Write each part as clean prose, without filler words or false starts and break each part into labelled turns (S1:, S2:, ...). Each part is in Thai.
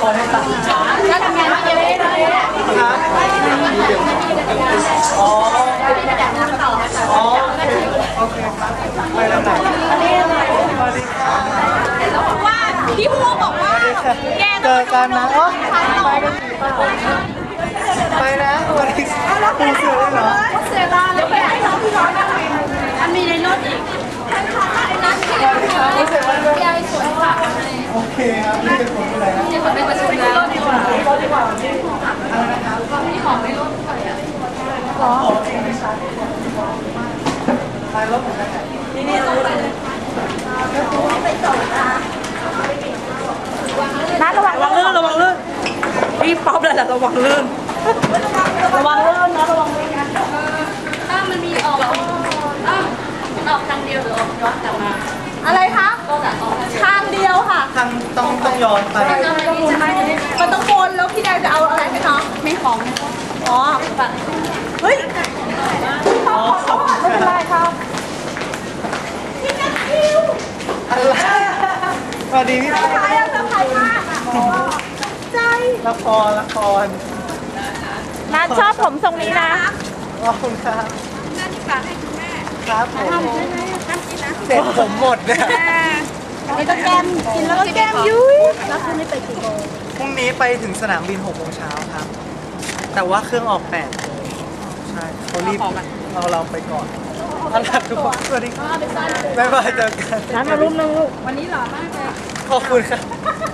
S1: ให้ตังค์แล้วทำงานที่เดียวกันครับอ๋ออ๋อโอเคครับไปแล้วไหนสวัสดีครับ
S2: แล้วบอกว่าพี่พูบอกว่าแก
S1: เจอกันนะอ๋อไปกันไปนะสวัสดีครับปูเสือเลยเหรอ
S2: เสียดายแล้วไปให้น้องพี่น้องนั่งอันมีในรถอีกนั่นที่เราพี่ไอ้สวนผัก
S1: โอเคครับนี่เป็นคนอะไรนะ
S2: นี่คนไปประชุมแล้วดีกว่าพี่ของไม่รถไปอ่ะ
S1: อ๋อไปรถผมไปไหนนี่รู้เลย
S2: ไปส่งนะ
S3: นะระวังลื่นระวังลื่นพี่ป๊อปเลยแหละระวังลื่นระวังลื่นนะระวังลื่นนะ
S2: ถ้ามันมีออกมันออกทางเดียวหรือออกย้อนกลับมา
S3: อะไรคะ
S2: ก็จะออก
S3: ทางเดียวค่ะ
S1: ทางต้องย้อนไป
S3: มันต้องวนแล้วพี่แดงจะเอาอะไรให้น้อง
S2: ไม่ของ
S3: อ๋อเฮ้ย
S1: อ๋อขอบคุณ
S3: ไม่เป็นไรครับพี่นัทคิว
S1: อะไรสวัสดีพี่
S3: สบายอะสบายมากอะใจ
S1: ละคร
S3: นัทชอบผมทรงนี้นะ
S1: ขอบคุณครับ
S2: นั่นฝากให้คุณแม่
S1: ครับผม
S2: ทำใช่ไหมทำกินนะ
S1: เสร็จผมหมดเนี่ย
S3: นี่ก็แก้มกินแล้วก็แก้มยุ้ยแล้วคุณนี่ไปกี่โมง
S1: พรุ่งนี้ไปถึงสนามบิน 6 โมงเช้าครับแต่ว่าเครื่องออก 8 โมงใช่เขารีบเราไปก่อนเอาล่ะทุกคนสวัสดีครับบ๊ายบายเจอกัน
S3: ร้านมารุ่มนึงลูก
S2: วันนี้หล่อมากเลย
S1: ขอบคุณครับ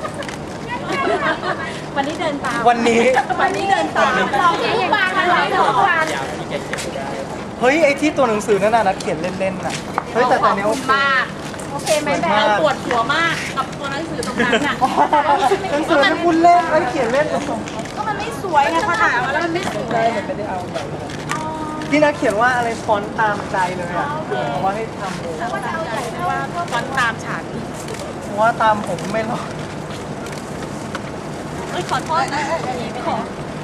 S2: วันนี้เดินตาม
S1: วันนี้
S2: เดินตามเราทุกวันเลยทุกวัน
S1: เฮ้ยไอที่ตัวหนังสือนั่นน่ะนัดเขียนเล่นๆน่ะเฮ้ยแต่ตอนนี้โอเค
S2: โอเคไหมแม่ปวดหัวมากกับตัวหนังสือตรงนั้นน่ะ
S1: หนังสือที่คุณเล่นไอ้เขียนเล่น
S2: ก็มันไม่สวยไงพอถ่ายมาแล้วมันไม่สวย
S1: ไม่ได้เอาแบบที่นัดเขียนว่าอะไรฟอนต์ตามใจเลยอ่ะว่าให้ทำเลย
S2: ว่าฟอนต์ตามฉัน
S1: ว่าตามผมไม่รอด
S2: ขอโทษนะไม่ขอ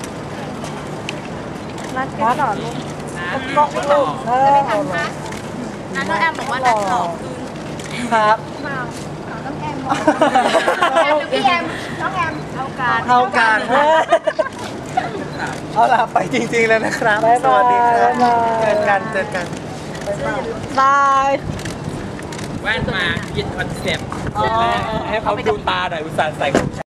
S3: นัดหรอลูก
S1: ก็ลูก
S2: จะไม่ทันคะนัดน้องแอมบอกว่านัดหลอก
S1: ครับ
S2: น้องแอมบอกแอมหรือพี่แอมน้องแอมเท่า
S1: กันเอาล่ะไปจริงๆแล้วนะครับสวัสดีครับเจอกัน
S3: บาย
S4: แว่นมายึดคอนเซ็ปต์ให้เขาดูตาหน่อยอุตส่าห์ใส่